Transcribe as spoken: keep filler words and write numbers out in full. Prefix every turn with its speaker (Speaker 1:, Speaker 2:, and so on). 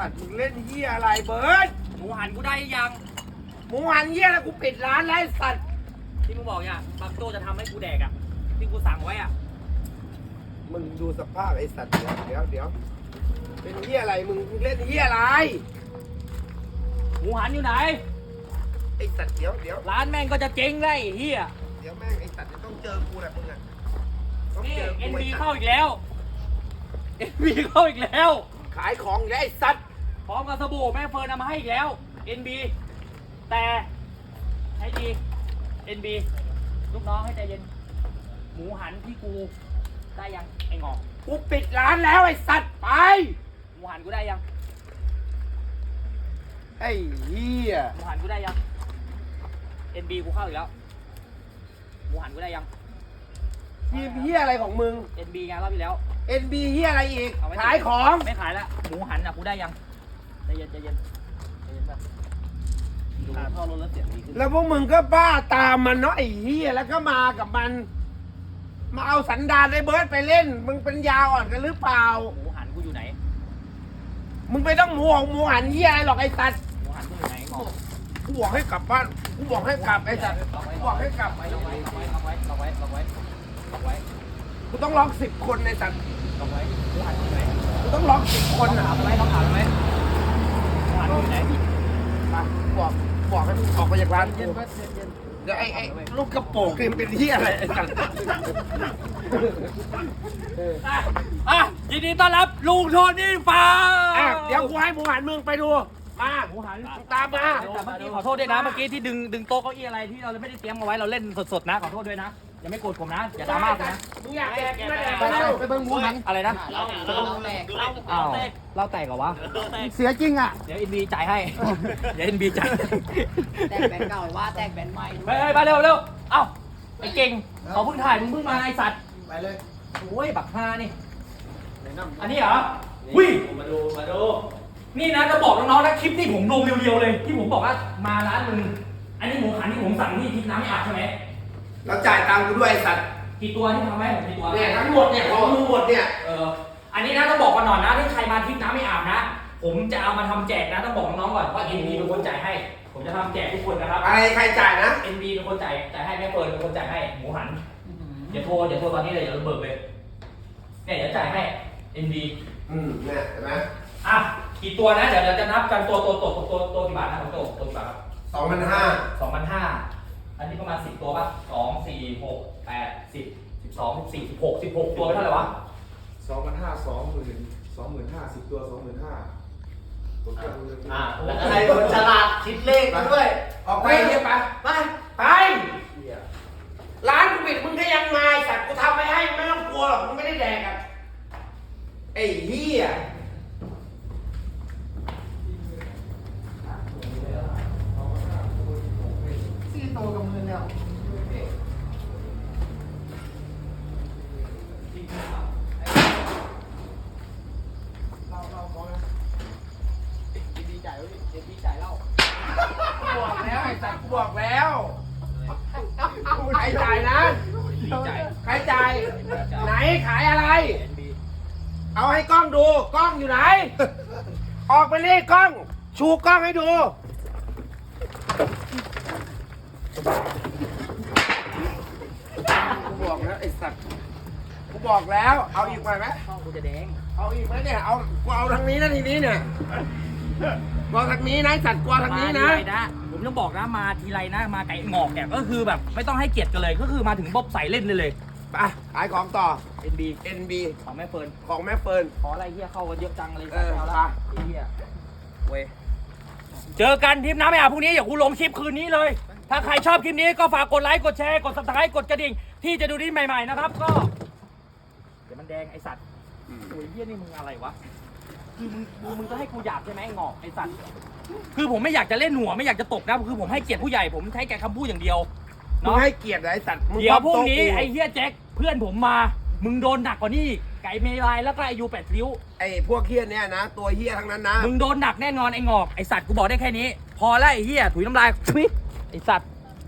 Speaker 1: สัตว์มึงเล่นเหี้ยอะไรเบิร์ด
Speaker 2: หมูหันกูได้ยัง
Speaker 1: หมูหันเหี้ยแล้วกูปิดร้านแล้วไอ้สัตว์
Speaker 2: ที่มึงบอกเนี่ยบางโจ้จะทำให้กูแดกอ่ะที่กูสั่งไว้อ่ะ
Speaker 1: มึงดูสภาพไอ้สัตว์เดี๋ยวเดี๋ยวเดี๋ยวเป็นเหี้ยอะไรมึงมึงเล่นเหี้ยอะไร
Speaker 2: หมูหันอยู่ไหน
Speaker 1: ไอ้สัตว์เดี๋ยวเดี๋ยว
Speaker 2: ร้านแม่งก็จะเจ๊งได้ไอ้เฮีย
Speaker 1: เดี๋ยวแม่งไอ้สัตว์จะต้องเจอกูแหละมึงอะต้อง
Speaker 2: นี่
Speaker 1: เจอกู
Speaker 2: เอ็น
Speaker 1: ไอ้
Speaker 2: บี
Speaker 1: สัต
Speaker 2: เข้า
Speaker 1: ว์
Speaker 2: อีกแล้วเอ็นบีเข้าอีกแล้ว
Speaker 1: ขายของอีกแล้วไอ้สัตว์
Speaker 2: พร้อมกับสบู่แม่เฟิร์นนำมาให้อีกแล้ว เอ็น บี แต่ใช้ดี เอ็น บี ลูกน้องให้ใจเย็น หมูหันที่กูได้ยังไอ้งอก
Speaker 1: กูปิดร้านแล้วไอ้สัตว์ไป
Speaker 2: หมูหันกูได้ยัง
Speaker 1: ไอ้เหี้ย
Speaker 2: หมูหันกูได้ยัง เอ็น บี กูเข้าอีกแล้ว หมูหันกูได้ยัง
Speaker 1: ทีมเหี้ยอะไรของมึง
Speaker 2: เอ็น บี ไงรอบที่แล้ว
Speaker 1: เอ็นบีเหี้ยอะไรอีก
Speaker 2: เไว้
Speaker 1: ขายของ
Speaker 2: ไม่ขายละหมูหันอ่ะกูได้ยังใจเย็นใจเย็นใจเย็นแบบดูท่อรถแล้วเสียงดีขึ้น
Speaker 1: แล้วพวกมึงก็บ้าตามมันเนาะไอ้เหี้ยแล้วก็มากับมัน มาเอาสันดานไอ้เบิร์ดไปเล่น มึงเป็นยาอ่อนกันหรือเปล่า
Speaker 2: หมูหันกูอยู่ไหน
Speaker 1: มึงไม่ต้องหมูของหมูหันเหี้ยอะไรหรอกไอ้สัตว์
Speaker 2: หมูหันกูอยู่ไหนงอก
Speaker 1: กูบอกให้กลับบ้านกูบอกให้กลับไอ้สัตว์กูบอกให้กลับ
Speaker 2: ไว้ล็อกไว้ล็อกไว้ล็อกไว้ล็อกไว้ล็อกไว้ล็อกไว้
Speaker 1: กูต้องล็อกสิบคนไอ้สัตว์
Speaker 2: ล็อกไว้หมูหันกูอยู่ไหน
Speaker 1: กูต้องล็อกสิบคน
Speaker 2: ถา
Speaker 1: อ่ะ
Speaker 2: มไว้ต้องถามไว้หมูหันกูอยู่ไหน
Speaker 1: มาบอกบอกให้มึงออกไปจากร้านกู
Speaker 2: เย็นเย็นเย็น
Speaker 1: เดี๋ยวไอ้ไอ้ลูกกระโปรงนี่มันเป็นเหี้ยอะไรไอ้สัตว์
Speaker 2: อ่ะอ่ะยินดีต้อนรับลุงโทนี่ฟาร์ม
Speaker 1: อ่ะเดี๋ยวกูให้หมูหันมึงไปดูมา
Speaker 2: หมูหัน
Speaker 1: ตามมา
Speaker 2: แต่เมื่อกี้ขอโทษด้วยนะเมื่อกี้ที่ดึงดึงโต๊ะเก้าอี้อะไรที่เราไม่ได้เตรียมเอาไว้เราเล่นสดๆนะขอโทษด้วยนะอย่าไม่โกรธผมนะอย่าดราม่าผมนะ
Speaker 1: มึงอยากแดกไม่แดกไปเร็ว
Speaker 3: ไปเบิ่งหมูหัน
Speaker 2: อะไรนะ
Speaker 3: เราเราแตก
Speaker 2: อ้าวเราแตกเหรอวะ
Speaker 3: เสียจริงอ่ะ
Speaker 2: เดี๋ยวอินบีจ่ายให้เดี๋ยวอินบีจ่าย
Speaker 3: แตกแบนเก่าว่าแตกแบนใหม่
Speaker 2: ไปไปไปเร็วเร็วเอ้าไอ้เก่งเขาเพิ่งถ่ายมึงเพิ่งมาไอ้สัตว์
Speaker 3: ไปเลย
Speaker 2: โอ้ยบักฮานี่อันนี้เหรอวิ่งมาดูมาดูนี่นะจะบอกน้องๆนะคลิปที่ผมลงเรียวๆเลยที่ผมบอกว่ามาร้านมึงอันนี้หมูหันที่ผมสั่งที่พริกน้ำไม่อาบใช่ไหม
Speaker 1: แล้วจ่ายตังค์กูด้วยไอ้สัตว์
Speaker 2: กี่ตัวที่ทำให้ผมกี่ตัว
Speaker 1: เนี่ยทั้งหมดเนี่ยของมึงหมดเนี่ย
Speaker 2: เอออันนี้นะต้องบอกกันหน่อยนะถ้าใครมาทริปน้ำไม่อาบนะ ผมจะเอามาทำแจกนะต้องบอกน้องๆก่อนว่า เอ็น บี เป็นคนจ่ายให้ ผมจะทำแจกทุกคนนะครับ
Speaker 1: อะไรใครจ่ายนะ
Speaker 2: เอ็น บี เป็นคนจ่ายจ่ายให้แม่เฟิร์นเป็นคนจ่ายให้หมูหันเดี๋ยวโทรเดี๋ยวโทรตอนนี้เลยเดี๋ยวเราเบิกเลยเนี่ยเดี๋ยวจ่ายให้ เอ็น บี
Speaker 1: อืมเนี่ยเห็นไหม
Speaker 2: อ่ะกี่ตัวนะเดี๋ยวเราจะนับกันตัวตัวตัวตัวตัวตัวกี่บาทนะของโตตัวกี่บาทครับ
Speaker 1: สองพันห้า
Speaker 2: สองพันห้าอันนี้ประมาณสิบตัวป่ะสองสี่หกแปดสิบสิบสองสิบสี่สิบหกสิบหกตัวเป็นเท่าไหร่วะ
Speaker 4: สองพันห้าสองหมื่นสองหมื่นห้าสิบตัวสองหมื่นห้า
Speaker 3: อ่าแล้วก็ให้คนฉลาดคิดเลขมาด้วย
Speaker 1: ออกไปเนี่ยไป
Speaker 3: ไป
Speaker 1: ไปร้านกูปิดมึงก็ยังมาไอ้สัตว์กูทำไปให้ไม่ต้องกลัวหรอกมึงไม่ได้แดกอ่ะไอ้เหี้ย
Speaker 3: สี่โตกับมือแล้ว
Speaker 1: เราเราขอนะ
Speaker 2: ดีจ่ายแล้วดิดีจ่ายเล่า
Speaker 1: กูบอกแล้วไอ้สัตว์กูบอกแล้วใครจ่ายนะ
Speaker 2: ดีจ่าย
Speaker 1: ใครจ่าย ไหนขายอะไร เอาให้กล้องดู กล้องอยู่ไหน ออกไปนี่กล้อง ชูกล้องให้ดู กูบอกแล้วไอ้สัตว์ กูบอกแล้ว เอาอีกไหม
Speaker 2: ช่องกูจะแดง
Speaker 1: เอาอีกไหมเนี่ย เอา กูเอาทางนี้นะทีนี้เนี่ยกูเอาทางนี้นะไอ้สัตว์กูเอาทางนี้นะ
Speaker 2: มาทีไรนะผมต้องบอกนะมาทีไรนะมาไก่งอกเนี่ยก็คือแบบไม่ต้องให้เกียรติกันเลยก็คือมาถึงบ๊อบใส่เล่นเลยเลย
Speaker 1: ไปขายของต่อ
Speaker 2: เอ็น บี
Speaker 1: เอ็น บี
Speaker 2: ของแม่เฟิร์น
Speaker 1: ของแม่เฟิร์น
Speaker 2: ขออะไรเฮียเข้ากันเยอะจังเลย
Speaker 1: เออ
Speaker 2: แล้ว
Speaker 1: ไป
Speaker 2: ละไอ้เฮียเว้ยเจอกันทริปน้ำไม่อาบพรุ่งนี้อย่ากูลงคลิปคืนนี้เลย ถ้าใครชอบคลิปนี้ก็ฝากกดไลค์กดแชร์กด ซับสไครบ์ กดกระดิ่งที่จะดูนี่ใหม่ๆนะครับก็เดี๋ยวมันแดงไอสัตว์โอ้ยเฮียนี่มึงอะไรวะคือมึงมึงมึงจะให้กูหยาบใช่ไหมไอ้งอกไอสัตว์คือผมไม่อยากจะเล่นหัวไม่อยากจะตบนะคือผมให้เกียรติผู้ใหญ่ผมใช้แค่คำพูดอย่างเดียว
Speaker 1: มึง
Speaker 2: เนาะ
Speaker 1: ให้เกียรติไอ้สัตว์มึง
Speaker 2: เดี๋ยวพรุ่งนี้
Speaker 1: โต๊ะกู
Speaker 2: ไอ้เฮียแจ็คเพื่อนผมมา มึงโดนหนักกว่านี้ไก่เมลายแล้วก็ไอยูแปดริ้ว
Speaker 1: ไอ้พวกเฮี้ยเนี่ยนะ ตัวเฮี้ยทั้งนั้นนะ
Speaker 2: มึงโดนหนักแน่นอนไอ้งอกไอสัตว์กูบอกได้แค่นี้ พอแล้วไอ้เฮียถุยน้ำลายทุยไอสัตว์